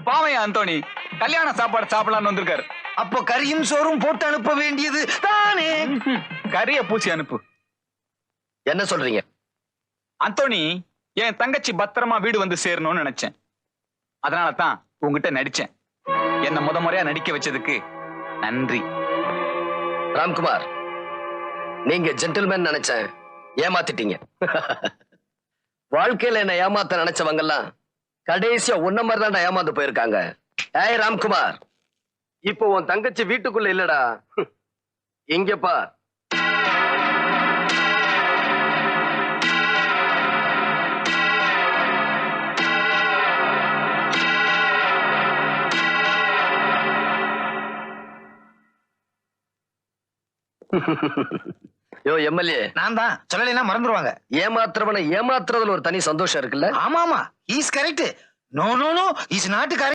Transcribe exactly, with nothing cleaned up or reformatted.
பாவையா அந்தோணி கல்யாண சாப்பாடு சாப்பிடலான்னு வந்திருக்காரு. அப்போ கறியும் சோறும் போட்டு அனுப்ப வேண்டியது தானே. கறிய பூசி அனுப்பு. என்ன சொல்றீங்க? அந்தோணி, என் தங்கச்சி பத்திரமா வீடு வந்து சேரணும்னு நினைச்சேன். அதனால தான் உங்ககிட்ட நடிச்சேன். என்ன முத முறையா நடிக்க வச்சதுக்கு நன்றி. ராம்குமார், நீங்க ஜென்டில்மேன் நினைச்சேன், ஏமாத்திட்டீங்க. வாழ்க்கையில என்ன ஏமாத்த நினைச்சவங்க எல்லாம் கடைசியா உன்ன மாதிரி தான் ஏமாந்து போயிருக்காங்க. ஏய் ராம்குமார், இப்போ உன் தங்கச்சி வீட்டுக்குள்ள இல்லடா, இங்கப்பா. யோ எம்எல்ஏ, நான் தான் சொல்லலைன்னா மறந்துருவாங்க. ஏமாத்துறவனை ஏமாத்துறதுல ஒரு தனி சந்தோஷம் இருக்குல்ல? ஆமா ஆமா, is correct. No no no, is not correct.